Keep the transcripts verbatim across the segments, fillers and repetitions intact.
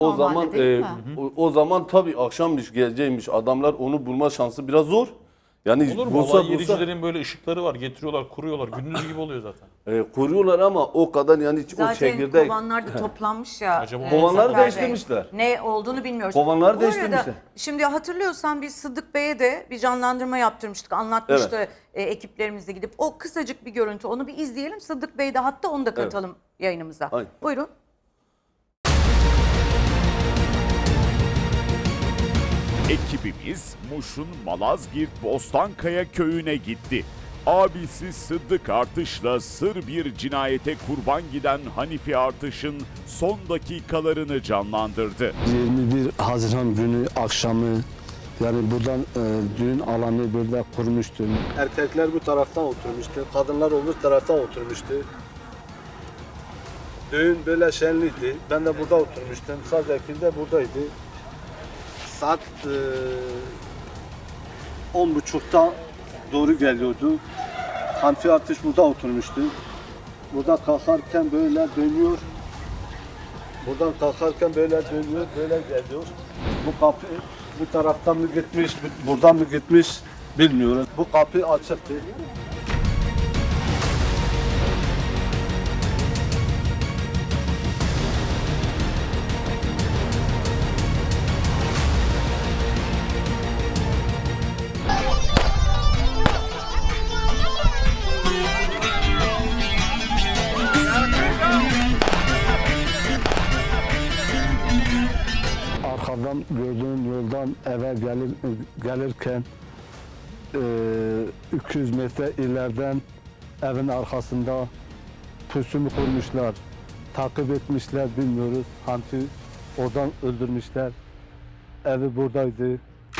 O Normalde zaman değil e, mi? o, o zaman tabii akşammış geleceğiymiş adamlar onu bulma şansı biraz zor. Yani Olur mu? bulsa Olay bulsa yericilerin böyle ışıkları var. Getiriyorlar, kuruyorlar. Gündüz gibi oluyor zaten. e, kuruyorlar ama o kadar yani o Zaten çekirdek. kovanlar da toplanmış ya. Acaba e, Kovanları Zafer Bey. değiştirmişler. Ne olduğunu bilmiyoruz. Kovanları Bu değiştirmişler. arada şimdi hatırlıyorsan biz Sıddık Bey'e de bir canlandırma yaptırmıştık. Anlatmıştı e, ekiplerimizle gidip. O kısacık bir görüntü. Onu bir izleyelim. Sıddık Bey de hatta onu da katalım yayınımıza. Aynen. Buyurun. Ekibimiz Muş'un Malazgirt Bostankaya köyüne gitti. Abisi Sıddık Artış'la sır bir cinayete kurban giden Hanifi Artış'ın son dakikalarını canlandırdı. yirmi bir Haziran günü akşamı yani buradan e, düğün alanı burada kurmuştu. Erkekler bu taraftan oturmuştu, kadınlar öbür taraftan oturmuştu. Düğün böyle şenliydi. Ben de burada oturmuştum. Sazekil de buradaydı. Saat e, on buçukta doğru geliyordu. Hanifi Artış burada oturmuştu. Burada kalkarken böyle dönüyor. Buradan kalkarken böyle dönüyor, böyle geliyor. Bu kapı bu taraftan mı gitmiş, buradan mı gitmiş bilmiyoruz. Bu kapı açıktı. Arkadan gördüğüm yoldan eve gelir, gelirken e, iki yüz metre ileriden evin arkasında pusumu kurmuşlar. Takip etmişler bilmiyoruz. Hanifi oradan öldürmüşler. Evi buradaydı.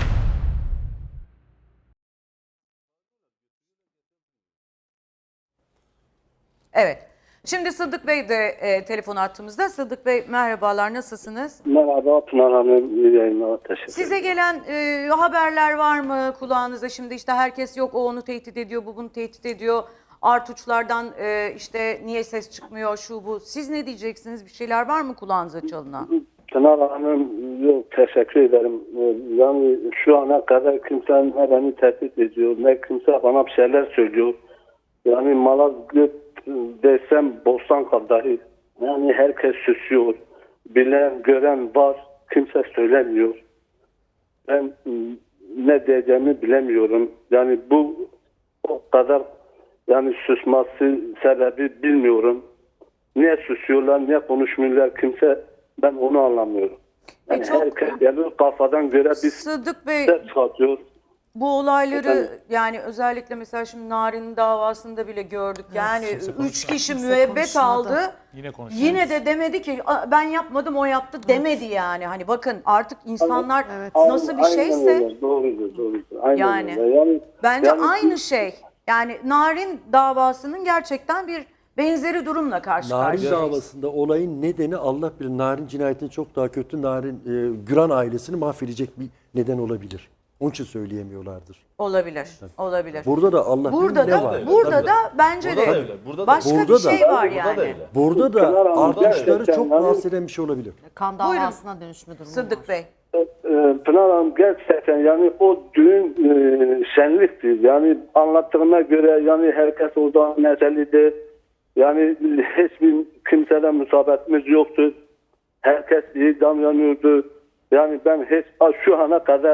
Evet. Şimdi Sıddık Bey de e, telefon attığımızda. Sıddık Bey merhabalar, nasılsınız? Merhaba Pınar Hanım, iyi yayınlar, teşekkür Size gelen e, haberler var mı kulağınıza? Şimdi işte herkes yok o onu tehdit ediyor, bu bunu tehdit ediyor. Artuçlardan e, işte niye ses çıkmıyor, şu bu. Siz ne diyeceksiniz? Bir şeyler var mı kulağınıza çalınan? Pınar Hanım, yok teşekkür ederim. Yani şu ana kadar kimse ne beni tehdit ediyor, ne kimse bana bir şeyler söylüyor. Yani Malazgirt desem Bostanka dahi. Yani herkes susuyor. Bilen, gören var. Kimse söylemiyor. Ben ne diyeceğimi bilemiyorum. Yani bu o kadar yani susması sebebi bilmiyorum. Niye susuyorlar, niye konuşmuyorlar kimse, ben onu anlamıyorum. Yani E çok- herkes geliyor kafadan göre bir Sıddık Bey, ses çıkartıyor. bu olayları Efendim? yani özellikle mesela şimdi Narin davasında bile gördük. Yani kimse üç konuşmadı. kişi Kimse müebbet konuşmadı. aldı. Yine konuşuyoruz. Yine de demedi ki "Aa, ben yapmadım o yaptı" demedi yani. Hani bakın artık insanlar Evet. nasıl bir Aynen şeyse öyle, doğrudur, doğrudur. Aynen Yani. öyle. yani bence yani aynı şey. Yani Narin davasının gerçekten bir benzeri durumla karşı Narin karşıyayız. davasında olayın nedeni Allah bilir. Narin cinayetini çok daha kötü. Narin e, Güran ailesini mahvedecek bir neden olabilir. Onun için söyleyemiyorlardır. Olabilir. Olabilir. Burada da Allah Burada bilir ne da var. burada da bence Burada da de öyle, burada da başka öyle. bir Burada da- şey var Burada yani. da öyle. Burada Pınar da Hanım, artışları gerçekten çok yani- rahatsız eden bir şey olabilir. Kan Buyurun. davasına dönüşme durumu Sıddık var. Bey. e, Pınar Hanım gerçekten yani o düğün e, şenlikti. Yani anlattığıma göre yani herkes orada neşeliydi. Yani hiçbir kimseden musabetimiz yoktu. Herkes iyi davranıyordu. Yani ben hiç şu ana kadar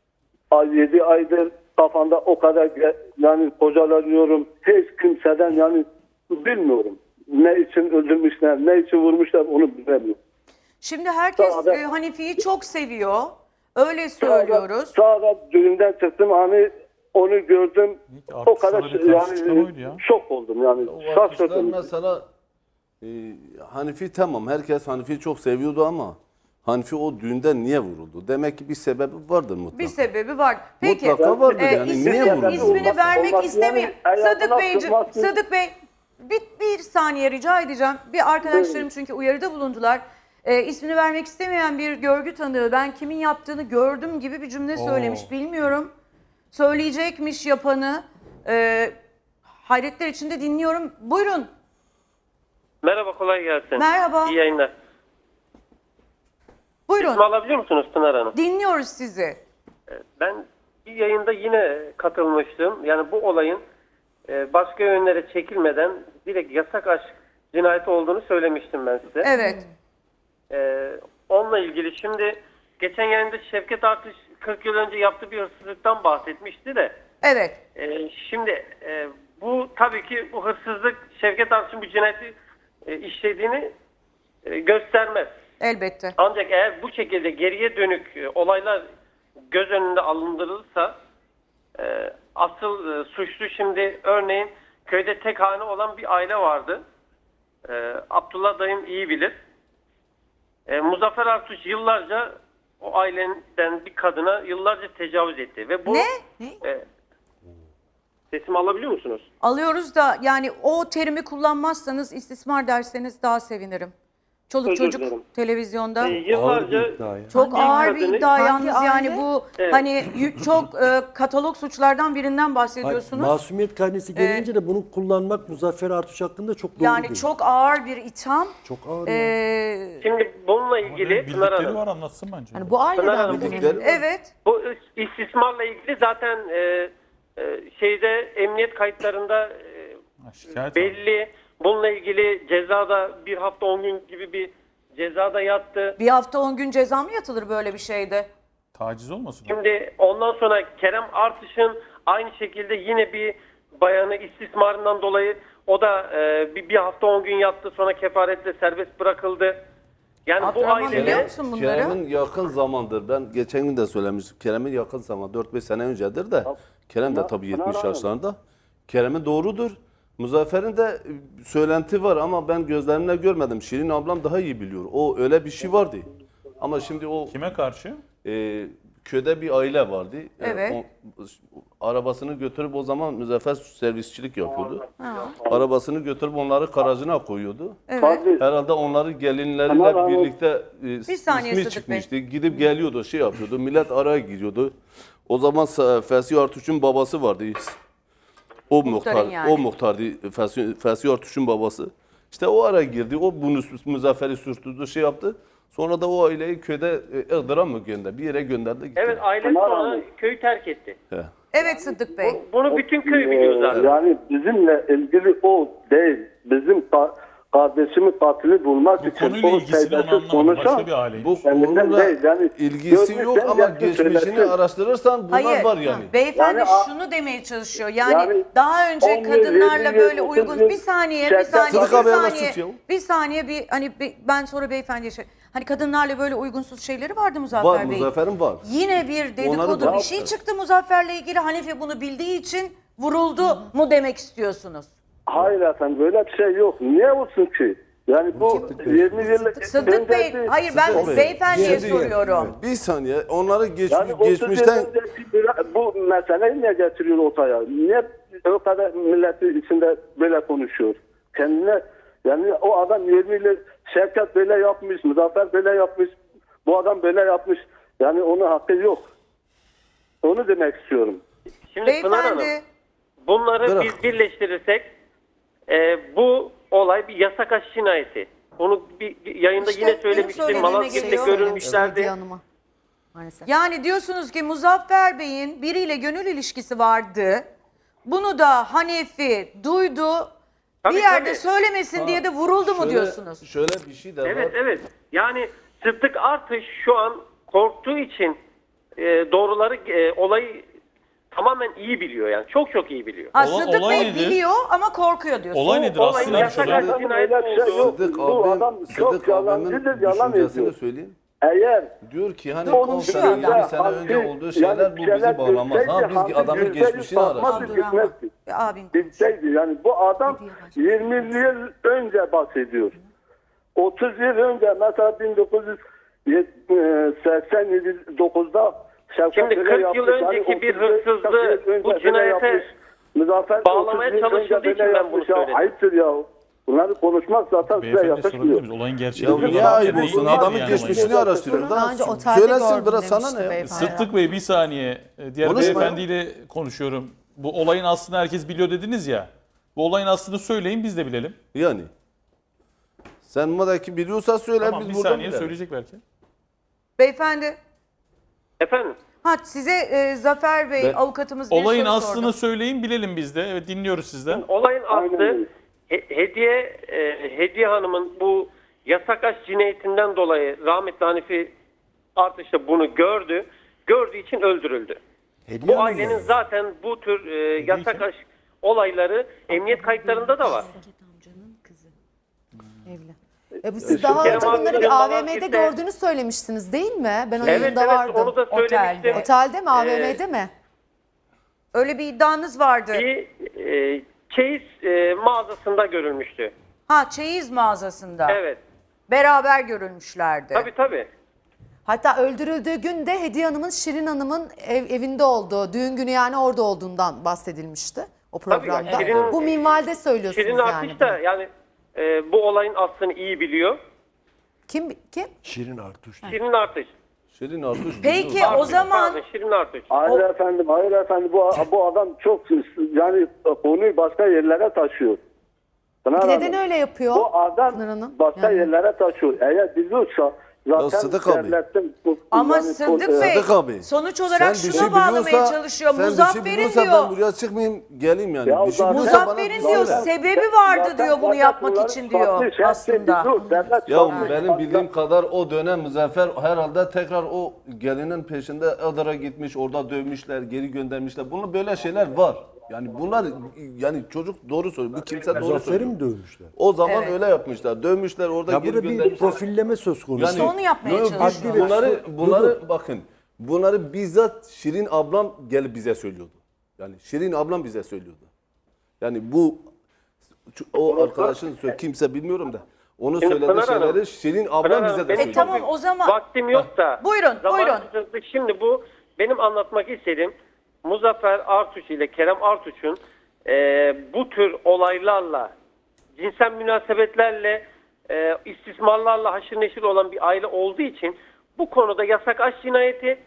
yedi aydır kafamda o kadar ge- yani kocalanıyorum. Hiç kimseden yani bilmiyorum. Ne için öldürmüşler, ne için vurmuşlar onu bilmiyorum. Şimdi herkes Sağda- e, Hanifi'yi çok seviyor. Öyle söylüyoruz. Sağda düğünden çıktım hani onu gördüm. Artık O kadar sana bir karşı çıkan yani oydu ya. şok oldum yani. O arkadaşlar Şaşırdım. mesela e, Hanifi tamam herkes Hanifi'yi çok seviyordu ama Hanifi o düğünden niye vuruldu? Demek ki bir sebebi vardır mutlaka. Bir sebebi var. Peki Mutlaka vardır e, yani. ismini, Niye vuruldu? ismini Olmaz- vermek olmaz istemiyor. yani. Sadık Ayağına Beyciğim, tutmaz- Sadık Bey bir, bir saniye rica edeceğim. Bir arkadaşlarım çünkü uyarıda bulundular. E, ismini vermek istemeyen bir görgü tanığı ben kimin yaptığını gördüm gibi bir cümle söylemiş. Bilmiyorum. Söyleyecekmiş yapanı. E, hayretler içinde dinliyorum. Buyurun. Merhaba, kolay gelsin. Merhaba. İyi yayınlar. Buyurun. alabiliyor musunuz Pınar Hanım? Dinliyoruz sizi. Ben bir yayında yine katılmıştım. Yani bu olayın e, başka yönlere çekilmeden direkt yasak aşk cinayeti olduğunu söylemiştim ben size. Evet. E, onunla ilgili şimdi geçen yayında Şevket Artış kırk yıl önce yaptığı bir hırsızlıktan bahsetmişti de. Evet. E, şimdi e, bu tabii ki bu hırsızlık Şevket Artış'ın bu cinayeti e, işlediğini e, göstermez. Elbette. Ancak eğer bu şekilde geriye dönük e, olaylar göz önünde alındırılırsa e, asıl e, suçlu şimdi örneğin köyde tek hane olan bir aile vardı. E, Abdullah dayım iyi bilir. E, Muzaffer Artuç yıllarca o aileden bir kadına yıllarca tecavüz etti. Ve bu, Ne? Ne? E, sesimi alabiliyor musunuz? Alıyoruz da yani o terimi kullanmazsanız istismar derseniz daha sevinirim. Çoluk Özür çocuk dilerim. televizyonda. E, yıllarca Ağır bir iddia ya. Çok Hangi ağır bir kadını- iddia Hangi yalnız yani aile? bu Evet. hani y- çok e, katalog suçlardan birinden Hayır, bahsediyorsunuz. masumiyet karnesi gelince de bunu kullanmak Muzaffer Artuç hakkında çok doğru Yani değil. çok ağır bir itham. çok ağır. E, ya. Şimdi bununla Ama ilgili ne Pınar bildikleri Hanım. var anlatsın bence. Yani bu Pınar aileden Hanım, mi? Bildikleri var. evet. Bu istismarla ilgili zaten e, e, şeyde emniyet kayıtlarında e, Ha, şikayet var. belli. Bununla ilgili cezada bir hafta on gün gibi bir cezada yattı. Bir hafta on gün ceza mı yatılır böyle bir şeyde? Taciz olmasın? o? Şimdi ondan sonra Kerem Artış'ın aynı şekilde yine bir bayanı istismarından dolayı o da e, bir, bir hafta on gün yattı, sonra kefaretle serbest bırakıldı. Yani bu Abdurrahman biliyor ailede musun bunları? Kerem'in yakın zamandır, ben geçen gün de söylemiştim. Kerem'in yakın zaman, dört beş sene öncedir de. Kerem de tabii yetmiş Pınar Hanım. yaşlarında. Kerem'in doğrudur. Muzaffer'in de e, söylenti var ama ben gözlerimle görmedim. Şirin ablam daha iyi biliyor. O öyle bir şey vardı. Ama şimdi o Kime karşı? e, köyde bir aile vardı. E, Evet. o- arabasını götürüp o zaman Muzaffer servisçilik yapıyordu. Arabasını götürüp onları garajına koyuyordu. Evet. Fazıl, Herhalde onları gelinleriyle Tamam, ama- birlikte e, Bir saniye ismi Sıdık çıkmıştı. Gidip geliyordu, şey yapıyordu. Millet araya giriyordu. O zaman Sa- Fesih Artuç'un babası vardı. O muhtar, yani. o muhtardı Fesih, Fesih Artuç'un babası. İşte o ara girdi. O bunu Muzaffer'i sürtürdü, şey yaptı. Sonra da o aileyi köyde e, Iğdır'a mı gönderdi? Bir yere gönderdi gitti. evet aile Pınar sonra Hanım. köyü terk etti. He. Evet Sıddık Bey. Bunu bütün köy biliyor e, zaten. yani bizimle ilgili o değil. Bizim ka- kardeşimi katili bulmak Bu için konuyla o ilgisini onu teyzesiz anlamadım. konuşan Başka bir aileymiş. Bu kendinden konuyla değil. Yani ilgisi yok görmüşsen ama gelsin geçmişini söylesin. araştırırsan bunlar Hayır, var yani. beyefendi Yani a- şunu demeye çalışıyor. Yani, Yani daha önce on yıl, kadınlarla yirmi böyle yıl, uygun otuz yıl bir saniye, bir şarkı- saniye, Sıdık bir abi hemen saniye, sus ya. bir saniye bir hani bir- ben sonra beyefendiye şey. Hani kadınlarla böyle uygunsuz şeyleri vardı Muzaffer Var, Bey'in. Muzaffer'in var. Yine bir dedikodu Onları bir şey çıktı Muzaffer'le ilgili. Hanife bunu bildiği için vuruldu mu demek istiyorsunuz? Hayır efendim böyle bir şey yok. Niye olsun ki? Yani bu yirmi yıllık Sıddık Bey, öncesi- hayır ben Sıddık Bey, beyefendiye şimdi- soruyorum. Bir saniye. Onları geç, Yani otuz yıl geçmişten önceki bir- bu meseleyi niye getiriyor ortaya? Niye o kadar milleti içinde böyle konuşuyor? Kendine yani o adam yirmi yıl Şevket böyle yapmış, Muzaffer böyle yapmış, bu adam böyle yapmış. Yani onun hakkı yok. Onu demek istiyorum. Şimdi Pınar Hanım, Beyefendi, bunları Bırak. biz birleştirirsek e, bu olay bir yasak aşk cinayeti. Onu bir, bir yayında İşte yine benim söylemiştim. söylediğime Malazgirt'te geliyor. görülmüşlerdi. Hediye Hanım'a. Maalesef. yani diyorsunuz ki Muzaffer Bey'in biriyle gönül ilişkisi vardı. Bunu da Hanefi duydu. Tabii, bir yerde tabii. söylemesin diye de vuruldu mu şöyle- diyorsunuz? Şöyle bir şey de Evet var. evet. Yani Sıddık Artış şu an korktuğu için e, doğruları e, olayı tamamen iyi biliyor yani. Çok çok iyi biliyor. Ha, Ola- Sıddık olay Bey nedir? biliyor ama korkuyor diyorsunuz. Olay nedir? olayın Aslında bir yasak şey. aşk cinayeti Öyle bir şey yok. olduğu. Sıddık Bu abim, adam çok Sıddık abimin yalancıdır, yalan düşüncesini ediyor. söyleyeyim. Eğer Diyor ki hani Onun on Konuşuyor sene, adam. yirmi sene önce Halkı- olduğu şeyler yani bu şeyler bizi bağlamaz. Ha bilseydi, biz halkı adamın yüzde yüz geçmişini bakmaz, araştırıyoruz. gitmezdi. Abin. Bilseydi yani bu adam yirmi yıl önce bahsediyor. otuz yıl önce mesela bin dokuz yüz seksen dokuzda Şevket Şimdi böyle kırk yıl yapmış. Yani önceki bir otuz yıl hırsızlığı önce bu böyle cinayete yapmış. Muzaffer bağlamaya otuz yıl önce çalışıldığı böyle için ben bunu yapmış ya. söyledim. Ayıptır ya. Bunları konuşmak zaten size Beyefendi sorabilir yakışmıyor. miyiz? Olayın gerçeğini Ya biliyorlar. niye ayıp Yani olsun? neyi Adamın yani geçmişini olayın? araştırıyor. Daha Daha önce otelde söylesin gördüm biraz sana demişti ne ya? beyefendi. Sıddık Bey bir saniye. Ee, Diğer Konuşma ya. beyefendiyle konuşuyorum. Bu olayın aslını herkes biliyor dediniz ya. Bu olayın aslını söyleyin biz de bilelim. Yani. Sen madaki biliyorsa söyle Tamam biz bir burada saniye bilelim. söyleyecek belki. Beyefendi. Efendim? Ha size e, Zafer Bey Ben- avukatımız bir Olayın soru aslını sordu. söyleyin bilelim biz de. Evet dinliyoruz sizden. Olayın Aynen aslı öyle. He- Hediye e, Hediye Hanım'ın bu yasak aşk cinayetinden dolayı rahmetli Hanifi Artış da bunu gördü. Gördüğü için öldürüldü. Hediye Bu Hanım ailenin mı? zaten bu tür e, yasak aşk olayları emniyet kayıtlarında da var. Evli. E bu siz daha Kerem önce bunları abinin bir A V M'de Malazgirt'te- gördüğünü söylemiştiniz değil mi? Ben o Evet yayında evet vardım. onu da söylemiştim. Otelde. Otelde mi A V M'de mi? Öyle bir iddianız vardı. Bir e, çeyiz e, mağazasında görülmüştü. Ha çeyiz mağazasında. Evet. Beraber görülmüşlerdi. Tabii tabii. Hatta öldürüldüğü gün de Hediye Hanım'ın Şirin Hanım'ın ev, evinde olduğu, düğün günü yani orada olduğundan bahsedilmişti o Tabii programda. yani Şirin- bu minvalde söylüyorsunuz Şirin yani. Artış da yani e, bu olayın aslını iyi biliyor. Kim kim? Şirin Artuş. Şirin Artış. Şirin Artuş. Peki biliyor. o zaman Pardon, Şirin Artış. Hayır efendim, hayır efendim. Bu, bu adam çok yani konuyu başka yerlere taşıyor. Pınar Neden Hanım, öyle yapıyor? Bu adam Pınar Hanım? başka Yani- yerlere taşıyor. Eğer biliyorsa zaten Sıdık abi. devletin... bu- ama yani Sıddık pol- Bey Sıddık abi, sonuç olarak Sen bir şuna şey bağlamaya biliyorsa- çalışıyor. sen bir şey Muzaffer'in biliyorsa diyor. ben buraya çıkmayayım geleyim yani. Ya bir şey zaten- biliyorsa bana Muzaffer'in diyor söyle. sebebi vardı Zaten- diyor bunu zaten yapmak bunların için diyor farklı şey aslında. biliyor. Devlet Ya farklı. benim bildiğim kadar o dönem Muzaffer herhalde tekrar o gelinin peşinde Iğdır'a gitmiş, orada dövmüşler, geri göndermişler. Bunun böyle şeyler var. Yani bunlar yani çocuk doğru söylüyor. Bu kimse doğru Muzaffer'i söylüyor. mi dövmüşler? O zaman Evet. öyle yapmışlar. Dövmüşler, orada Ya geri burada bir göndermişler. profilleme söz konusu. İşte onu yapmaya yok, çalışıyor. Adli ve Bunları su- bunları bakın. Bunları bizzat Şirin ablam gelip bize söylüyordu. Yani Şirin ablam bize söylüyordu. Yani bu o arkadaşın sö- kimse bilmiyorum da onu Şimdi söylediği Pınar Hanım, şeyleri Şirin Pınar ablam Hanım, bize de benim söylüyordu. E tamam o zaman Vaktim yok da. Buyurun, zaman buyurun. kısıtlı. Şimdi bu benim anlatmak istediğim Muzaffer Artuç ile Kerem Artuç'un e, bu tür olaylarla, cinsel münasebetlerle, e, istismarlarla haşır neşir olan bir aile olduğu için bu konuda yasak aşk cinayeti.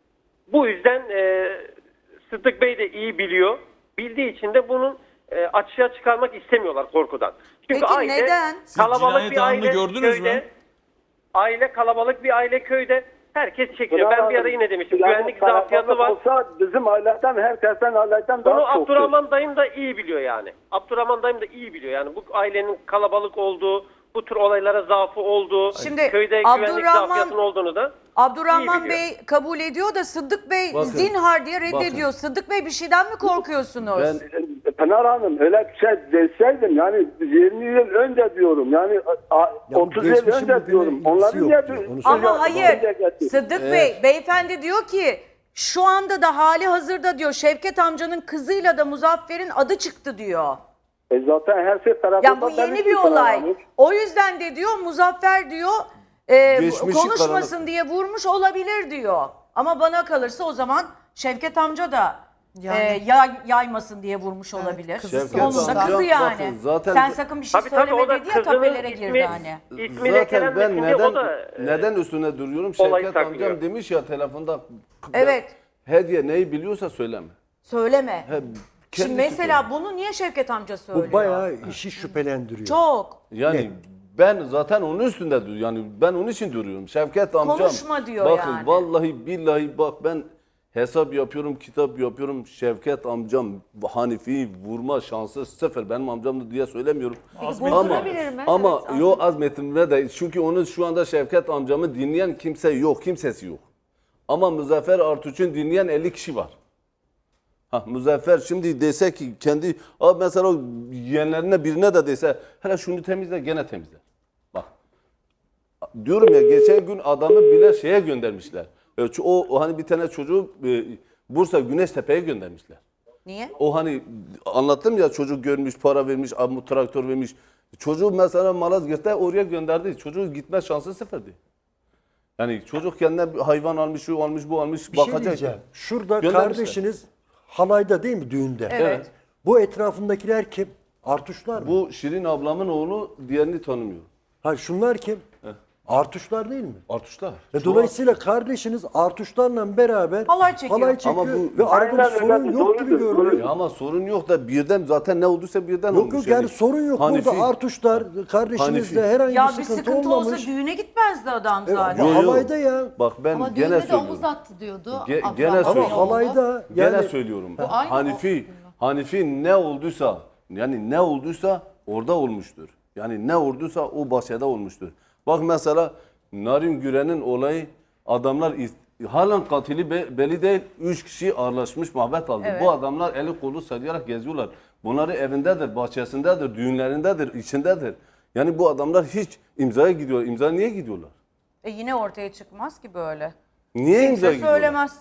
Bu yüzden e, Sıddık Bey de iyi biliyor. Bildiği için de bunun e, açığa çıkarmak istemiyorlar korkudan. Çünkü Peki aile neden? Siz kalabalık cinayet bir anını aile gördünüz mü? köyde. Aile kalabalık bir aile köyde. Herkes çekiyor. Pınar Ben bir ara Hanım, yine demiştim. yani Güvenlik zafiyatı var. kalabalık Olsa bizim aileden, herkesten aileden Bunu daha çok. Abdurrahman dayım da iyi biliyor yani. Abdurrahman dayım da iyi biliyor yani. Bu ailenin kalabalık olduğu, bu tür olaylara zaafı olduğu, Şimdi köyde güvenlik Abdurrahman- zafiyatının olduğunu da Abdurrahman İyi biliyor. Bey kabul ediyor da Sıddık Bey Bakın, zinhar diye reddediyor. bakın. Sıddık Bey bir şeyden mi korkuyorsunuz? Ben Pınar Hanım öyle bir şey deseydim yani yirmi yıl önce diyorum yani a- bu otuz yıl geçmişin önce bugüne diyorum. ilgisi Onları yok niye diyor, bir- onu Ama söylüyor. hayır Sıddık Evet. Bey beyefendi diyor ki şu anda da hali hazırda diyor Şevket amcanın kızıyla da Muzaffer'in adı çıktı diyor. E zaten her şey tarafından Yani bu yeni bir olay. O yüzden de diyor Muzaffer diyor e, Geçmişi konuşmasın karanlık. diye vurmuş olabilir diyor. Ama bana kalırsa o zaman Şevket amca da Yani. e, yay- yaymasın diye vurmuş olabilir. kızı Onun da sonuçta. kızı yani. Bakın, zaten- Sen sakın bir şey Tabii tabii, o söyleme da dedi ya kızının tapelere ismi- girdi hani. ismi zaten ben lekelenmesin diye neden o da e, neden üstüne duruyorum? olay Şevket saklıyor. amcam demiş ya telefonda. Evet. Hediye neyi biliyorsa söyleme. Söyleme. He, Şimdi kendisi mesela söylüyor. bunu niye Şevket amca söylüyor? Bu bayağı işi şüphelendiriyor. Çok. Yani Ne? ben zaten onun üstünde duruyorum. Yani ben onun için duruyorum. Şevket amcam. Konuşma diyor bakın, yani. vallahi billahi bak ben hesap yapıyorum, kitap yapıyorum. Şevket amcam Hanifi'yi vurma şansı sıfır. Benim amcamdı diye söylemiyorum. Azmettin Ama Olabilir mi? ama Evet, yo azmetimle de çünkü onun şu anda Şevket amcamı dinleyen kimse yok, kimsesi yok. Ama Muzaffer Artuç'un dinleyen elli kişi var. Ha, Muzaffer şimdi dese ki kendi abi mesela o yeğenlerine birine de dese hele şunu temizle gene temizler. Bak diyorum ya geçen gün adamı bile şeye göndermişler. E, ço- O, o hani bir tane çocuğu e, Bursa Güneştepe'ye göndermişler. Niye? O hani anlattım ya çocuk görmüş, para vermiş, amu traktör vermiş. Çocuğu mesela Malazgirt'te oraya gönderdi. Çocuğun gitme şansı sıfırdı. Yani çocuk kendine bir hayvan almış, şu almış, bu almış, Bir şey bakacak. diyeceğim. Şurada Göndermişler. kardeşiniz halayda değil mi düğünde? Evet. Bu etrafındakiler kim? Artuşlar mı? Bu Şirin ablamın oğlu, diğerini tanımıyor. Ha şunlar kim? Artuşlar değil mi? Artışlar. Ve dolayısıyla kardeşiniz Artuşlarla beraber Halay çekiyor. halay çekiyor Ama bu- ve arada bir Aynen sorun öyle, yok gibi doğrudur, görünüyor. Ya ama sorun yok da birden zaten ne olduysa birden Yok olmuş. yok yani sorun yok. Hanifi- Burada Artuşlar kardeşinizle Hanifi. herhangi Ya bir bir sıkıntı, sıkıntı olsa olmamış. düğüne gitmezdi adam E, zaten. ama Yo, yo. halayda ya. Bak ben Ama gene düğünde de söylüyorum. omuz attı diyordu. Ge- Abdurrahman gene Bey Ama söylüyorum. oğlu. halayda Gene yani söylüyorum. aynı Hanifi Hanifi ne olduysa yani ne olduysa orada olmuştur. Yani ne olduysa o bahçede olmuştur. Bak mesela Narin Güren'in olayı adamlar is- halen katili be- belli değil. Üç kişi ağırlaşmış mabet aldı. Evet. Bu adamlar eli kolu sallayarak geziyorlar. Bunları evindedir, bahçesindedir, düğünlerindedir, içindedir. Yani bu adamlar hiç imzaya gidiyor. İmza niye gidiyorlar? E yine ortaya çıkmaz ki böyle. Niye imzaya Kimse gidiyorlar? söylemez.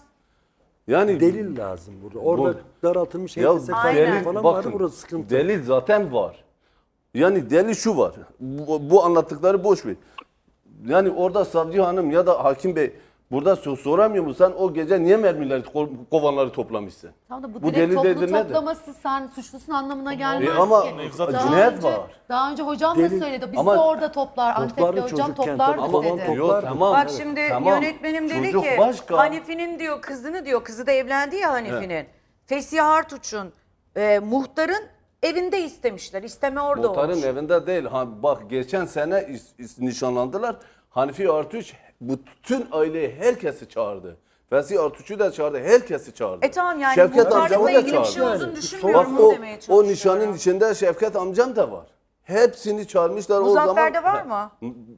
Yani delil lazım burada. Orada Bu- daraltılmış Ya H T S Aynen. kayıtları delil, falan vardı. bakın, Burası sıkıntı. delil zaten var. Yani delil şu var. Bu, bu anlattıkları boş ver. Yani orada savcı hanım ya da hakim bey burada so- soramıyor mu sen o gece niye mermileri ko- kovanları toplamışsın? Tamam da bu, Bu direkt delil toplu değildir, nedir? toplaması sen suçlusun anlamına gelmez E ama ki. Nevzat Daha cinayet önce- var. Daha önce hocam Delil- da söyledi. Biz Ama- de orada toplar. Toplardı Antep'te hocam çocukken, toplardı tabii. Ama dedi. Toplardı. yok tamam. Bak şimdi tamam. yönetmenim dedi Çocuk ki başka. Hanifi'nin diyor kızını diyor kızı da evlendi ya Hanifi'nin. Fesih Artuç'un e, muhtarın evinde istemişler. İsteme orada Muhtarın olmuş. evinde değil. Ha, bak geçen sene is- is- nişanlandılar. Hanifi Artuç bütün aileyi herkesi çağırdı. Fesih Artuç'u da çağırdı. Herkesi çağırdı. E tamam yani Şevket muhtarlıkla amcamı da ilgili bir çağırdı. şey olduğunu Yani, düşünmüyorum Bak onu o, demeye o çalışıyorum. nişanın içinde Şevket amcam da var. Hepsini çağırmışlar o zaman. Muzaffer'de var mı?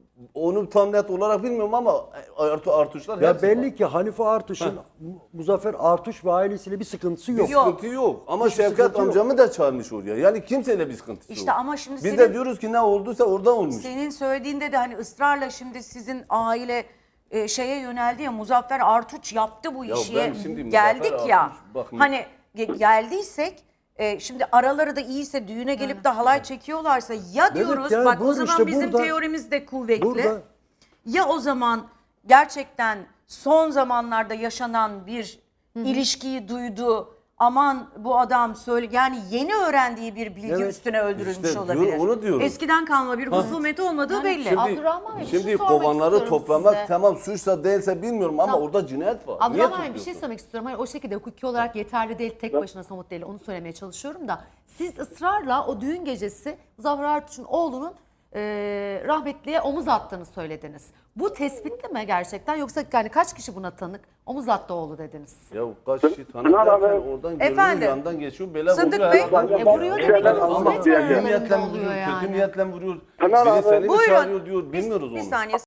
Onu tam net olarak bilmiyorum ama Artu Artuşlar Ya hepsi belli var. ki Hanife Artuş'un Muzaffer Artuş ve ailesiyle bir sıkıntısı yok. Bir Yok. sıkıntı yok. Ama Hiçbir Şevket sıkıntı yok. amcamı da çağırmış oraya. Yani kimseyle bir sıkıntısı İşte yok. ama şimdi Biz senin- de diyoruz ki ne olduysa orada olmuş. Senin söylediğinde de hani ısrarla şimdi sizin aile e, şeye yöneldi ya Muzaffer Artuç yaptı bu Ya işi. ben şimdi Geldik Muzaffer ya. Artuç, bak- hani ge- geldiysek e, şimdi araları da iyiyse düğüne gelip de halay çekiyorlarsa ya diyoruz yani bak o buyur zaman işte bizim burada- teorimiz de kuvvetli. Burada Ya o zaman gerçekten son zamanlarda yaşanan bir ilişkiyi duydu. Aman bu adam söyle yani yeni öğrendiği bir bilgi Evet. üstüne öldürülmüş İşte diyor- olabilir. onu diyorum. Eskiden kalma bir husumet olmadığı Yani belli. şimdi- Abdurrahman Bey, bir şey Şimdi sormak kovanları istiyorum toplamak size. tamam suçsa değilse bilmiyorum ama Tamam. orada cinayet var. Niye Abdurrahman Bey bir şey tutuyorsun? söylemek istiyorum. Hani o şekilde hukuki olarak yeterli değil, tek başına somut değil. Onu söylemeye çalışıyorum da. Siz ısrarla o düğün gecesi Muzaffer Artuç'un oğlunun e, rahmetliye omuz attığını söylediniz. Bu tespitli mi gerçekten yoksa yani kaç kişi buna tanık? Omuz attı oğlu dediniz. Ya kaç kişi Pınar tanıdılarken abi- oradan görünüyor Efendim? yandan geçiyor böyle Sıddık vuruyor. Bey? herhalde. E vuruyor demek ki Ama husumet kötü Kötü aralarında niyetle oluyor vuruyor, kötü yani. niyetle vuruyor. Pınar Biri abi- seni mi Buyurun. çağırıyor diyor, bilmiyoruz Bir onu. saniye.